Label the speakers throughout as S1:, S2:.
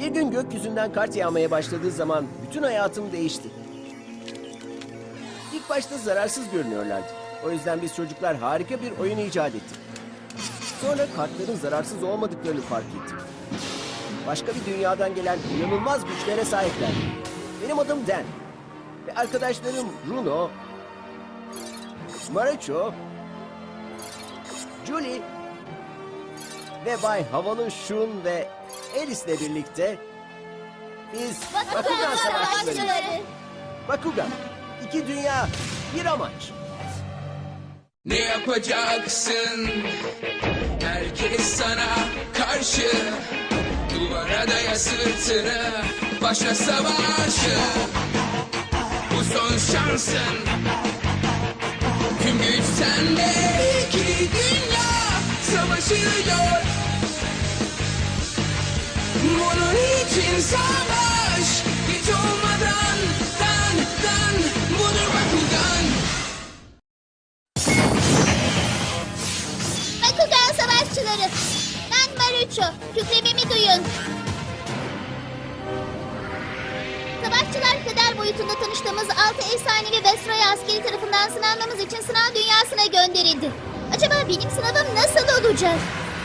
S1: gün gökyüzünden kart yağmaya başladığı zaman bütün hayatım değişti. İlk başta zararsız görünüyorlardı. O yüzden biz çocuklar harika bir oyun icat ettik. Sonra kartların zararsız olmadıklarını fark ettim. Başka bir dünyadan gelen inanılmaz güçlere sahipler. Benim adım Dan. Ve arkadaşlarım Bruno, Marucho, Julie ve Bay Havalı Shun ve Alice'le birlikte biz Bakugan Savaşçıları. Bakugan, iki dünya, bir amaç.
S2: Ne yapacaksın? Herkes sana karşı. Duvara daya sırtını, başla savaşı. Bu son şansın. Tüm güç sende. İki dünya savaşıyor. Bunun için savaş. Hiç olmadan dan budur Bakugan.
S3: Bakugan Savaşçıları. Ben Marucho. Kükrememi duyun. Savaşçılar kader boyutunda tanıştığımız 6 efsanevi Vestroya askeri tarafından sınanmamız için sınav dünyasına gönderildi. Acaba benim sınavım nasıl olacak?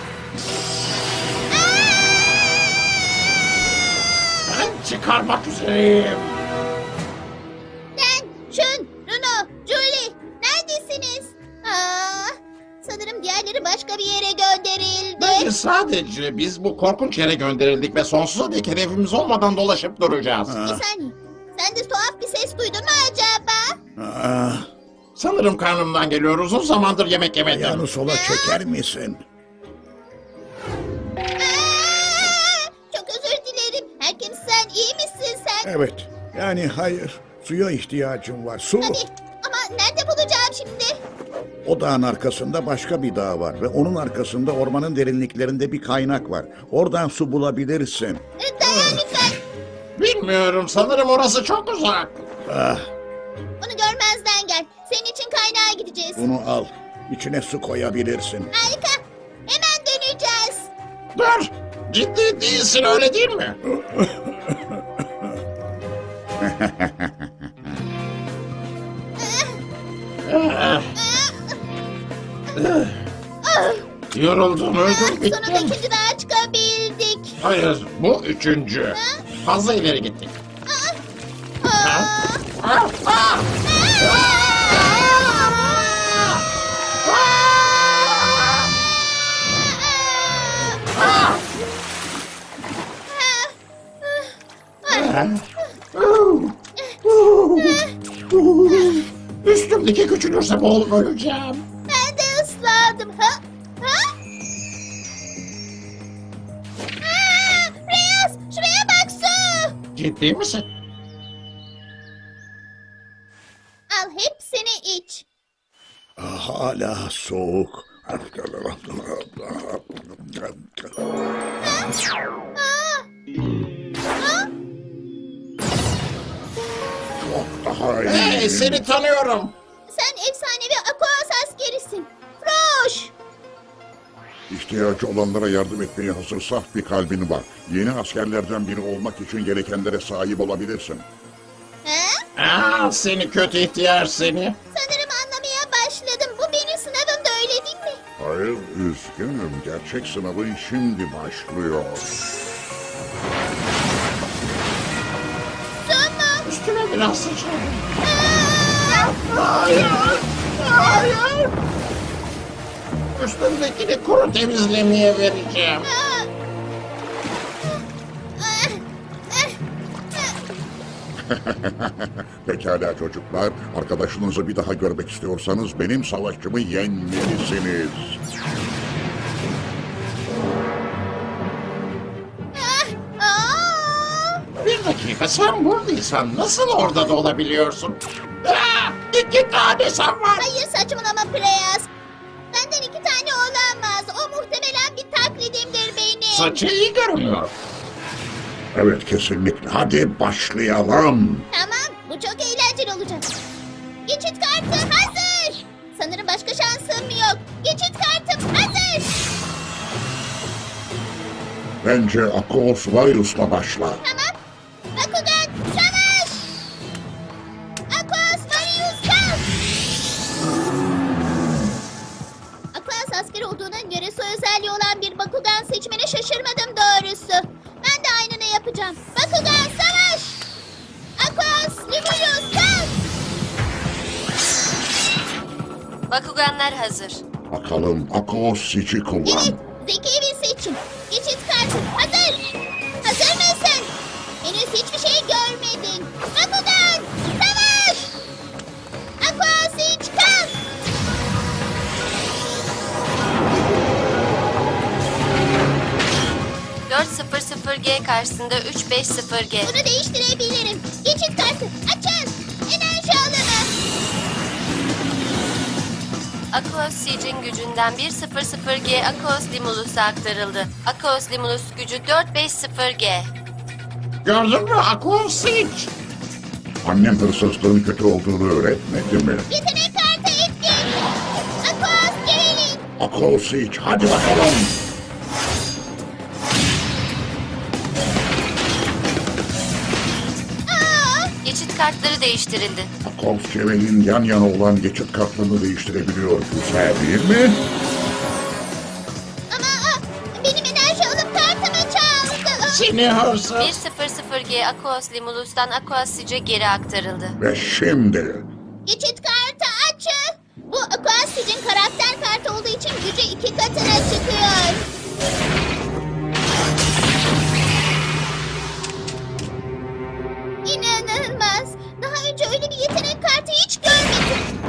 S4: Ben çıkarmak üzereyim.
S3: Dan, Shun, Bruno, Julie, neredesiniz? Sanırım diğerleri başka bir yere gönderildi.
S4: Bence sadece biz bu korkunç yere gönderildik ve sonsuza dek hedefimiz olmadan dolaşıp duracağız.
S3: Bir saniye. Sen de tuhaf bir ses duydun mu acaba?
S4: Sanırım karnımdan geliyor. Uzun zamandır yemek yemedim.
S5: Ayağını sola çeker misin?
S3: Çok özür dilerim. Herkes sen iyi misin sen?
S5: Evet. Yani hayır. Suya ihtiyacım var. Su.
S3: Tabii. Ama nerede bulacağım şimdi?
S5: O dağın arkasında başka bir dağ var. Ve onun arkasında ormanın derinliklerinde bir kaynak var. Oradan su bulabilirsin.
S3: Dayan lütfen.
S4: Bilmiyorum. Sanırım orası çok uzak.
S3: Bunu görmezden gel. Senin için kaynağa gideceğiz.
S5: Bunu al. İçine su koyabilirsin.
S3: Harika. Hemen döneceğiz.
S4: Dur. Ciddi değilsin öyle değil mi? Yoruldum öldüm
S3: Sonunda
S4: bittim.
S3: ikinci dağa çıkabildik.
S4: Hayır bu üçüncü. Fazla ileri gittik. Üstümdeki küçülürse boğulup öleceğim.
S3: Ben de ıslandım. Reyes, şuraya bak su.
S4: Ciddi misin?
S3: Al hepsini iç.
S5: Hala soğuk. Çok daha iyi.
S4: Hey seni tanıyorum.
S3: Sen efsanevi Aquas askerisin. Froş.
S5: İhtiyacı olanlara yardım etmeye hazır saf bir kalbin var. Yeni askerlerden biri olmak için gerekenlere sahip olabilirsin.
S4: Seni kötü ihtiyar seni.
S3: Sanırım anlamaya başladım. Bu benim sınavım da öyle değil mi?
S5: Hayır, üzgünüm. Gerçek sınavın şimdi başlıyor.
S3: Tamam.
S4: Üstüne biraz sıçradım. Hayır. Hayır. Üstümdekini kuru temizlemeye vereceğim.
S5: Pekala çocuklar, arkadaşınızı bir daha görmek istiyorsanız benim savaşçımı yenmelisiniz.
S4: Bir dakika sen buradaysan nasıl orada da olabiliyorsun? İki tane sen var.
S3: Hayır saçmalama Preyas. Benden 2 tane olamaz. O muhtemelen bir taklidimdir benim.
S4: Saçı iyi görünüyor.
S5: Evet, kesinlikle. Hadi başlayalım.
S3: Tamam, bu çok eğlenceli olacak. Geçit kartı hazır. Sanırım başka şansım yok. Geçit kartım hazır.
S5: Bence Akos Varius'la başla.
S3: Tamam. Bakugan savaş! Aquas Marius kalk! Aquas askeri olduğuna göre soy özelliği olan bir Bakugan seçmene şaşırmadım doğrusu. Ben de aynını yapacağım. Bakugan savaş! Aquas Limulus kalk!
S6: Bakuganlar hazır.
S5: Bakalım Akos Sic'i kullan.
S3: Evet, zeki bir seçim. Geçit kartı hazır. Hazır mısın? Henüz hiçbir şey görmedin. Bakugan, savaş! Aqua Siege kalk!
S6: G karşısında 350G.
S3: Bunu değiştirebilirim. Geçit kartı açın. Enerji alanı.
S6: Aquos Siege'in gücünden 100G Aquos Limulus'a aktarıldı. Aquos Limulus gücü 450G.
S4: Gördün mü Aquos Siege?
S5: Annem hırsızlığın kötü olduğunu öğretmedi mi?
S3: Yetenek kartı etkin. Aquas Gerilim.
S5: Akos Sic, hadi bakalım.
S6: Geçit kartları değiştirildi.
S5: Akos Cevel'in yan yana olan geçit kartlarını değiştirebiliyor. Güzel değil mi?
S3: Ama benim enerji alıp kartımı çaldı.
S4: Seni hırsız.
S6: 100G Aquos Limulus'tan Aquos Siege'e geri aktarıldı.
S5: Ve şimdi...
S3: Geçit kartı açın. Bu Aquas Siege'in karakter kartı olduğu için gücü 2 katına çıkıyor. İnanılmaz. Daha önce öyle bir yetenek kartı hiç görmedim.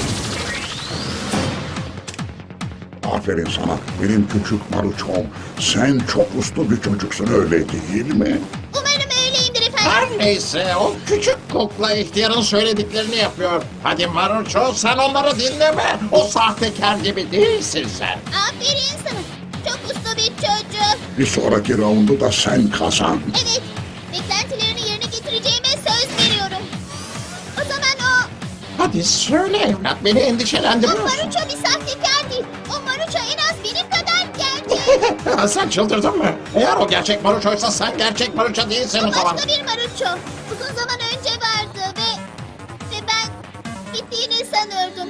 S5: Aferin sana, benim küçük Maruçom. Sen çok uslu bir çocuksun, öyle değil mi?
S3: Umarım öyleyimdir efendim.
S4: Her neyse o küçük kukla ihtiyarın söylediklerini yapıyor. Hadi Maruço sen onları dinleme. O sahtekar gibi değilsin sen.
S3: Aferin sana. Çok uslu bir çocuk.
S5: Bir sonraki raundu da sen kazan.
S3: Evet. Beklentilerini yerine getireceğime söz veriyorum. O zaman o
S4: Hadi söyle evlat beni endişelendiriyorsun.
S3: Maruço bir sahtekar değil. O Maruço en az benim kadar gerçek.
S4: Sen çıldırdın mı? Eğer o gerçek Maruço'ysa sen gerçek Maruço değilsin
S3: O
S4: o zaman.
S3: başka bir Maruço. Uzun zaman önce vardı ve ben gittiğini sanıyordum.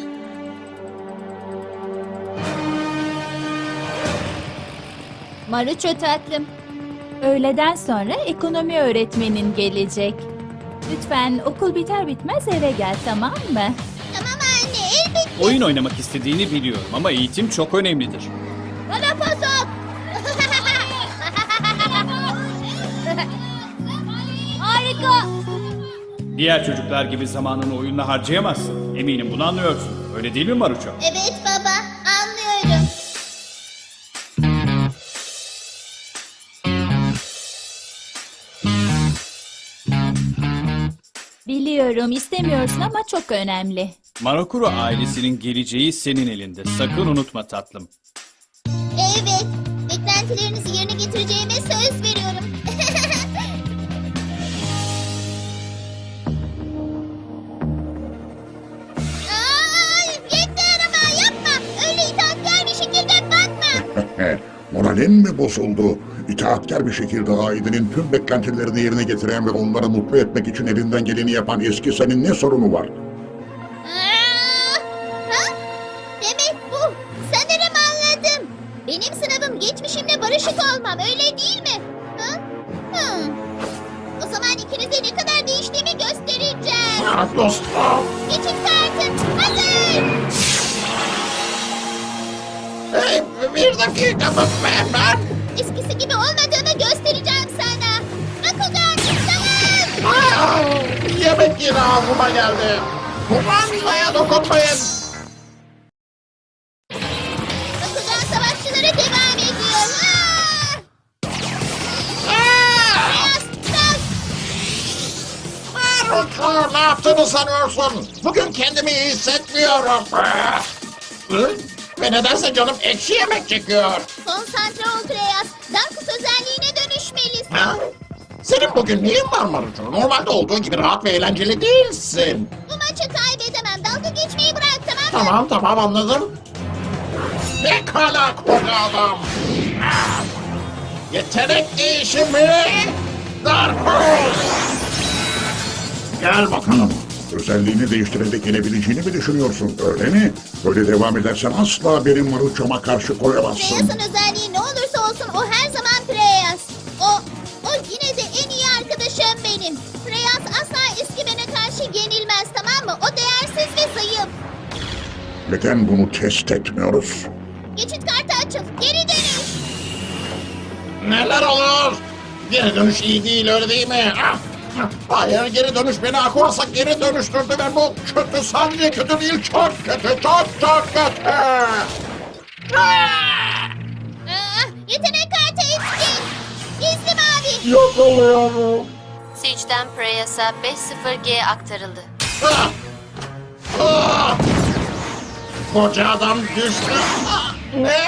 S7: Maruço tatlım. Öğleden sonra ekonomi öğretmenin gelecek. Lütfen okul biter bitmez eve gel, tamam mı?
S3: Tamam anne, elbette.
S8: Oyun oynamak istediğini biliyorum ama eğitim çok önemlidir.
S3: Bana pasok. Harika.
S8: Diğer çocuklar gibi zamanını oyunla harcayamazsın. Eminim bunu anlıyorsun. Öyle değil mi Maruço?
S3: Evet baba, anlıyorum.
S7: Biliyorum istemiyorsun ama çok önemli.
S8: Marakuro ailesinin geleceği senin elinde. Sakın unutma tatlım.
S3: Evet, beklentilerinizi yerine getireceğime söz veriyorum. Yeter ama yapma. Öyle itaatkar bir şekilde bakma.
S5: Moralin mi bozuldu? İtaatkar bir şekilde ailenin tüm beklentilerini yerine getiren ve onları mutlu etmek için elinden geleni yapan eski senin ne sorunu var?
S3: Ha? Demek bu. Sanırım anladım. Benim sınavım geçmişimle barışık olmam, öyle değil mi? Ha? Hı. O zaman ikinize ne kadar değiştiğimi göstereceğim.
S4: Ah, dostum.
S3: Geçit kartı hazır.
S4: Hey, bir dakika ben.
S3: Eskisi gibi olmadığımı göstereceğim sana. Bakugan savaş.
S4: Ah, yemek yine ağzıma geldi. Kumandaya dokunmayın.
S3: Bakugan savaşçıları devam ediyor.
S4: Ah! Maruço ne yaptığını sanıyorsun? Bugün kendimi iyi hissetmiyorum. Ah! Hı? Ve nedense canım ekşi yemek çekiyor.
S3: Konsantre ol Kreyas. Darkus özelliğine dönüşmelisin.
S4: Ha? Senin bugün neyin var Maruço? Normalde olduğu gibi rahat ve eğlenceli değilsin.
S3: Bu maçı kaybedemem. Dalga geçmeyi bırak, tamam mı?
S4: Tamam anladım. Pekala koca adam. Ah! Yetenek değişimi. Darkus. Gel bakalım.
S5: Özelliğini değiştirerek yenebileceğini mi düşünüyorsun, öyle mi? Böyle devam edersen asla benim Maruço'ma karşı koyamazsın.
S3: Preyas'ın özelliği ne olursa olsun o her zaman Preyas. O yine de en iyi arkadaşım benim. Preyas asla Eskimen'e karşı yenilmez, tamam mı? O değersiz ve zayıf.
S5: Neden bunu test etmiyoruz?
S3: Geçit kartı açıl. Geri dönüş.
S4: Neler olur? Geri dönüş iyi değil, öyle değil mi? Hayır, geri dönüş beni Aquas'a geri dönüştürdü ve bu kötü, sadece kötü değil, çok kötü, çok kötü.
S3: Yetenek kartı etkin. Gizli mavi.
S4: Yok oluyorum.
S6: Siege'den Preyas'a 5-0G aktarıldı.
S4: Koca adam düştü. Ne?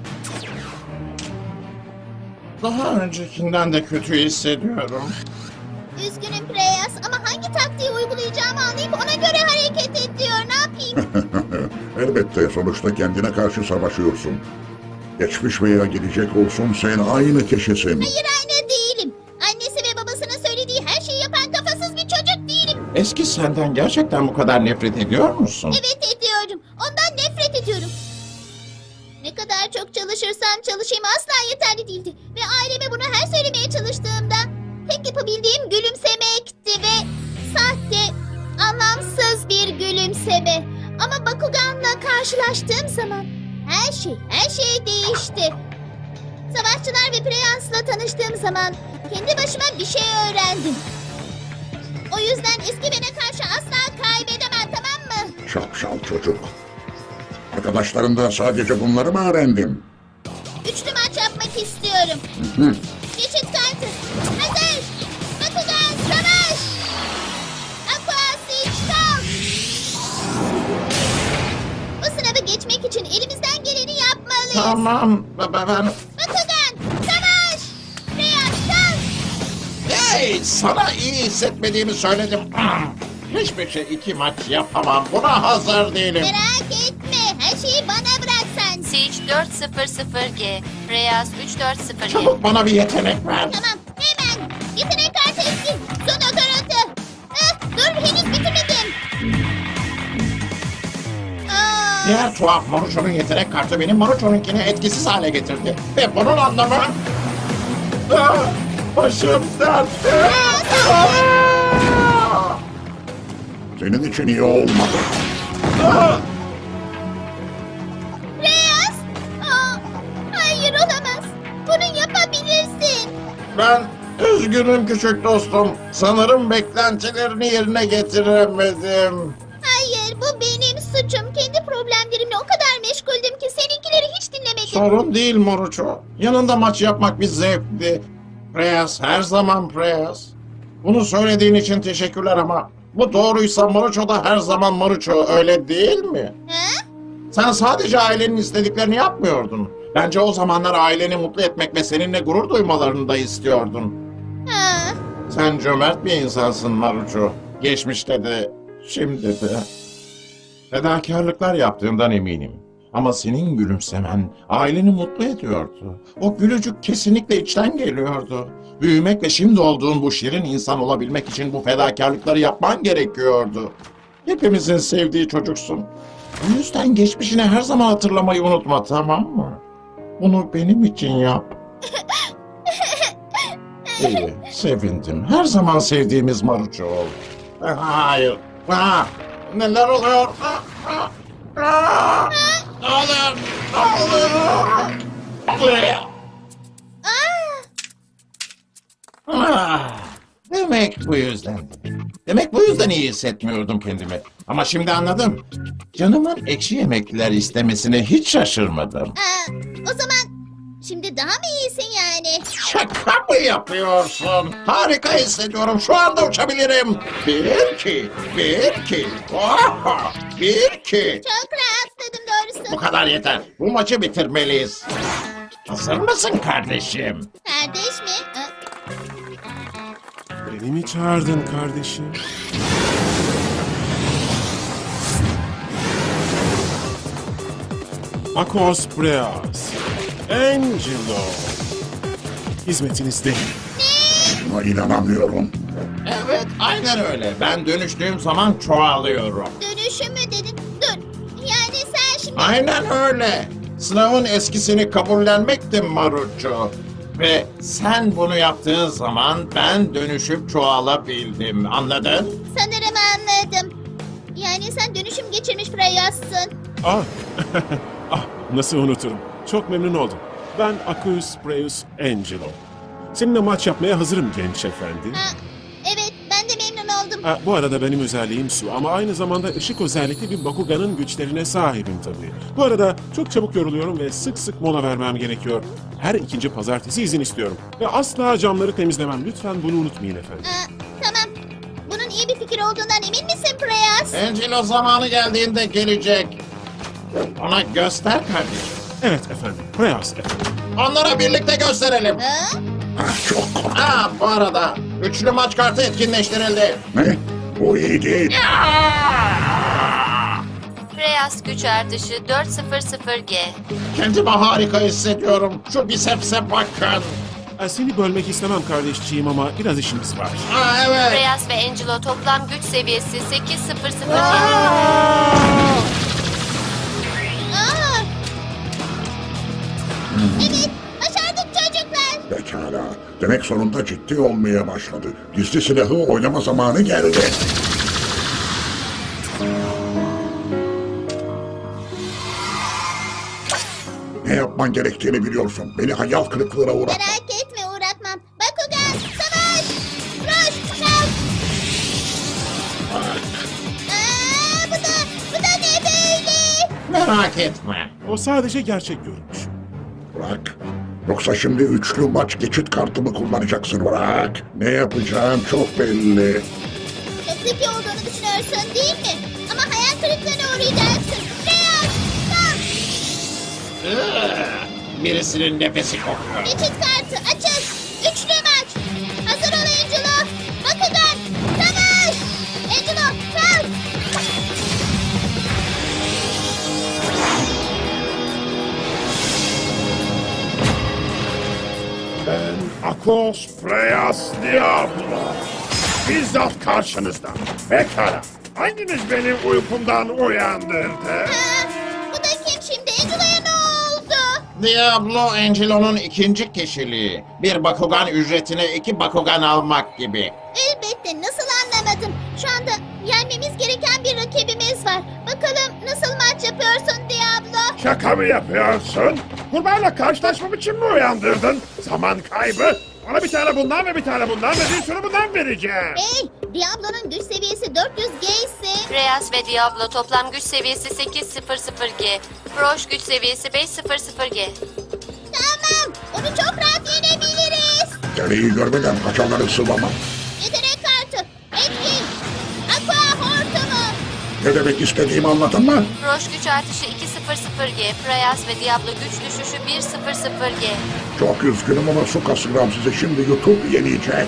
S4: Daha öncekinden de kötü hissediyorum.
S3: Üzgünüm Preyas ama hangi taktiği uygulayacağımı anlayıp ona göre hareket et diyor. Ne yapayım?
S5: Elbette sonuçta kendine karşı savaşıyorsun. Geçmiş veya gelecek olsun sen aynı kişisin.
S3: Hayır, aynı değilim. Annesi ve babasının söylediği her şeyi yapan kafasız bir çocuk değilim.
S4: Eski senden gerçekten bu kadar nefret ediyor musun?
S3: Evet, ediyorum. Ondan nefret ediyorum. Ne kadar çok çalışırsam çalışayım asla yeterli değildi. Ve aileme bunu her söylemeye çalıştığımda tek yapabildiğim gülümsemekti ve sahte, anlamsız bir gülümseme. Ama Bakugan'la karşılaştığım zaman her şey değişti. Savaşçılar ve Preyas'la tanıştığım zaman kendi başıma bir şey öğrendim. O yüzden Eskimen'e karşı asla kaybedemem, tamam mı?
S5: Şapşal çocuk. Arkadaşlarından sadece bunları mı öğrendin?
S3: Üçlü maç yapmak istiyorum. Geçit kartı. Hazır. Bakugan savaş. Aqua Siege kalk. Bu sınavı geçmek için elimizden geleni yapmalıyız.
S4: Tamam, ben...
S3: Bakugan savaş. Preyas kalk.
S4: Hey, sana iyi hissetmediğimi söyledim. Hiçbir şey 2 maç yapamam, buna hazır değilim.
S3: Merak etme. Her şeyi bana bırak sen.
S6: Siege 4-0-0G, Preyas 3-4-0G.
S4: Çabuk bana bir yetenek ver.
S3: Tamam, hemen. Yetenek kartı etkin. Son okaratı. Dur, henüz bitirmedim.
S4: Diğer tuhaf Maruço'nun yetenek kartı benim Maruço'nunkini etkisiz hale getirdi. Ve bunun anlamı... Başım dertte.
S5: Senin için iyi olmadı.
S3: Reyes! Hayır, olamaz. Bunu yapabilirsin.
S4: Ben üzgünüm küçük dostum. Sanırım beklentilerini yerine getiremedim.
S3: Hayır, bu benim suçum. Kendi problemlerimle o kadar meşguldüm ki seninkileri hiç dinlemedim.
S4: Sorun değil Maruço. Yanında maç yapmak bir zevkti. Preyas, her zaman Preyas. Bunu söylediğin için teşekkürler ama bu doğruysa Maruço da her zaman Maruço, öyle değil mi?
S3: Ha?
S4: Sen sadece ailenin istediklerini yapmıyordun. Bence o zamanlar aileni mutlu etmek ve seninle gurur duymalarını da istiyordun.
S3: Ha.
S4: Sen cömert bir insansın Maruço. Geçmişte de, şimdi de. Fedakarlıklar yaptığından eminim. Ama senin gülümsemen aileni mutlu ediyordu. O gülücük kesinlikle içten geliyordu. Büyümek ve şimdi olduğun bu şirin insan olabilmek için bu fedakarlıkları yapman gerekiyordu. Hepimizin sevdiği çocuksun. O yüzden geçmişini her zaman hatırlamayı unutma, tamam mı? Bunu benim için yap. İyi, sevindim. Her zaman sevdiğimiz Maruço ol. Hayır. Neler oluyor? Olur. Demek bu yüzden. Demek bu yüzden iyi hissetmiyordum kendimi. Ama şimdi anladım. Canımın ekşi yemekler istemesine hiç şaşırmadım.
S3: O zaman şimdi daha mı iyisin yani?
S4: Şaka mı yapıyorsun? Harika hissediyorum. Şu anda uçabilirim. 1-2. Oha! 1-2.
S3: Çok rahatladım doğrusu.
S4: Bu kadar yeter. Bu maçı bitirmeliyiz. Hazır mısın kardeşim?
S3: Kardeş mi?
S9: Beni mi çağırdın kardeşim? Akos Breas, Angelo. hizmetinizdeyim.
S5: Buna inanamıyorum.
S4: Evet, aynen öyle. Ben dönüştüğüm zaman çoğalıyorum.
S3: Dönüşüm mü dedin? Dur. Yani sen şimdi...
S4: Aynen öyle. Sınavın eskisini kabullenmekti Maruço. Ve sen bunu yaptığın zaman ben dönüşüp çoğalabildim. Anladın?
S3: Sanırım anladım. Yani sen dönüşüm geçirmiş Freyas'sın.
S9: Ah, ah nasıl unuturum. Çok memnun oldum. Ben Aquus Preus Angelo. Seninle maç yapmaya hazırım genç efendi.
S3: Ha, evet, ben de memnun oldum.
S9: Ha, bu arada benim özelliğim su ama aynı zamanda ışık özellikli bir Bakugan'ın güçlerine sahibim tabii. Bu arada çok çabuk yoruluyorum ve sık sık mola vermem gerekiyor. Her ikinci pazartesi izin istiyorum. Ve asla camları temizlemem. Lütfen bunu unutmayın efendim.
S3: Tamam. Bunun iyi bir fikir olduğundan emin misin Preyas?
S4: Angelo zamanı geldiğinde gelecek. Ona göster kardeşim.
S9: Evet efendim. Preyas efendim.
S4: Onlara birlikte gösterelim.
S3: Ha?
S5: Çok korktum.
S4: Bu arada üçlü maç kartı etkinleştirildi.
S5: Ne? Bu iyi değil.
S6: Freyas güç artışı 400G.
S4: Kendimi harika hissediyorum. Şu bisepse bakın.
S9: Seni bölmek istemem kardeşciğim ama biraz işimiz var.
S4: Evet.
S6: Freyas ve Angelo toplam güç seviyesi 800G.
S3: Aa! Evet, başardık çocuklar.
S5: Pekala. Demek sonunda ciddi olmaya başladı. Gizli silahı oynama zamanı geldi. Ne yapman gerektiğini biliyorsun. Beni hayal kırıklığına uğratma.
S3: Merak etme, uğratmam. Bakugan, savaş! Roş, kalk! Bu da ne böyle?
S4: Merak etme.
S9: O sadece gerçek görünüş.
S5: Bırak. Yoksa şimdi üçlü maç geçit kartımı kullanacaksın, bırak. Ne yapacağım çok belli.
S3: Çok zeki olduğunu düşünüyorsun değil mi? Ama hayal kırıklığına uğrayacaksın. Beyaz, kalk!
S4: Birisinin nefesi kokuyor.
S3: Geçit kartı açıl. Üçlü maç. Hazır ol Angelo. Bakugan, savaş! Angelo, kalk!
S10: Ben Akos Freyas Diablo. Bizzat karşınızda. Pekala. Hanginiz beni uykumdan uyandırdı?
S3: Ha, bu da kim şimdi? Angelo'ya ne oldu?
S4: Diablo Angelo'nun ikinci kişiliği. Bir Bakugan ücretine 2 Bakugan almak gibi.
S3: Elbette, nasıl anlamadım. Şu anda yenmemiz gereken bir rakibimiz var. Bakalım nasıl maç yapıyorsun Diablo?
S10: Şaka mı yapıyorsun? Kurbanla karşılaşmam için mi uyandırdın? Zaman kaybı. Bana bir tane bundan ve bir tane bundan ve bir sürü bundan vereceğim.
S3: Hey, Diablo'nun güç seviyesi 400G ise...
S6: Freyas ve Diablo toplam güç seviyesi 800G. Froş güç seviyesi 500G.
S3: Tamam, onu çok rahat yenebiliriz.
S5: Gereği görmeden kaçanları sıvamam.
S3: Yetenek kartı, etkin, aqua hortumu.
S5: Ne demek istediğimi anladın mı?
S6: Froş güç artışı 200G. Freyas ve Diablo güç düşüşü 100G.
S5: Çok üzgünüm ama su kasıram sizi şimdi YouTube yenecek.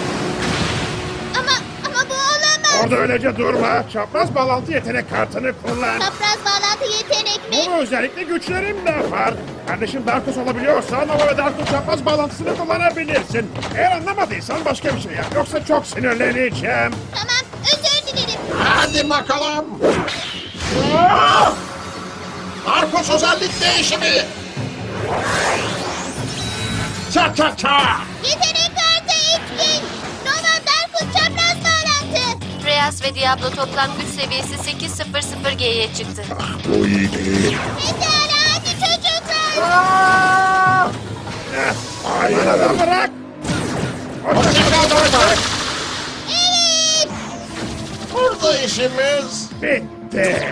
S3: Ama bu olamaz.
S10: Orada öylece durma. Çapraz bağlantı yetenek kartını kullan.
S3: Çapraz bağlantı yetenek mi?
S10: Bunu özellikle güçlerim de var. Kardeşim Darkus olabiliyorsa Nova ve Darkus çapraz bağlantısını kullanabilirsin. Eğer anlamadıysan başka bir şey yap. Yoksa çok sinirleneceğim.
S3: Tamam, özür dilerim.
S4: Hadi bakalım. Arkus özellik değişimi. Ça ça ça.
S3: Yetenek kartı etkin. Nova Darkus çapraz bağlantı.
S6: Freyas ve Diablo toplam güç seviyesi 800G'ye çıktı.
S5: Bu iyi değil.
S3: Pekala, hadi çocuklar.
S5: Hayır.
S10: Bana da bırak.
S3: Evet.
S4: Burada işimiz.
S10: Bitti.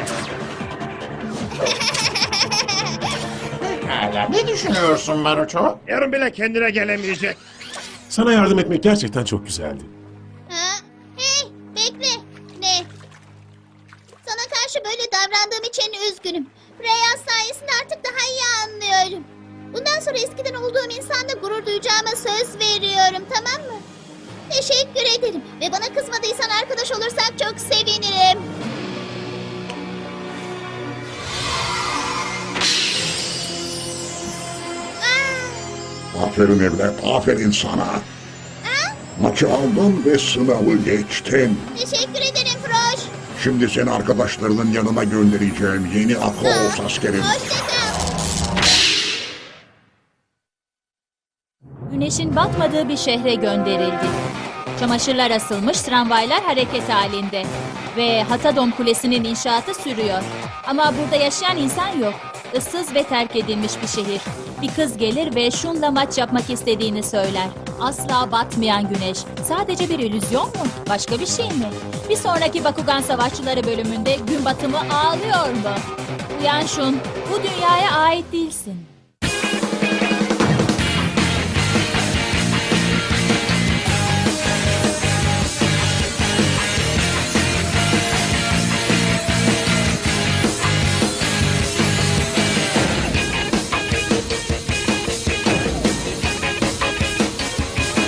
S4: Hala ne düşünüyorsun Maruço?
S10: Yarın bile kendine gelemeyecek.
S9: Sana yardım etmek gerçekten çok güzeldi.
S3: Ha? Hey, bekle. Ne? Sana karşı böyle davrandığım için üzgünüm. Reyaz sayesinde artık daha iyi anlıyorum. Bundan sonra eskiden olduğum insanla gurur duyacağıma söz veriyorum, tamam mı? Teşekkür ederim. Ve bana kızmadıysan arkadaş olursak çok sevinirim.
S5: Aferin evlat, aferin sana. Maçı aldın ve sınavı geçtin.
S3: Teşekkür ederim Froş.
S5: Şimdi seni arkadaşlarının yanına göndereceğim yeni Akros askerin.
S3: Hoşça kal.
S7: Güneşin batmadığı bir şehre gönderildi. Çamaşırlar asılmış, tramvaylar hareket halinde. Ve Hatadom Kulesi'nin inşaatı sürüyor. Ama burada yaşayan insan yok. Issız ve terk edilmiş bir şehir. Bir kız gelir ve Shun'la maç yapmak istediğini söyler. Asla batmayan güneş. Sadece bir illüzyon mu? Başka bir şey mi? Bir sonraki Bakugan Savaşçıları bölümünde gün batımı ağlıyor mu? Uyan Shun, bu dünyaya ait değilsin.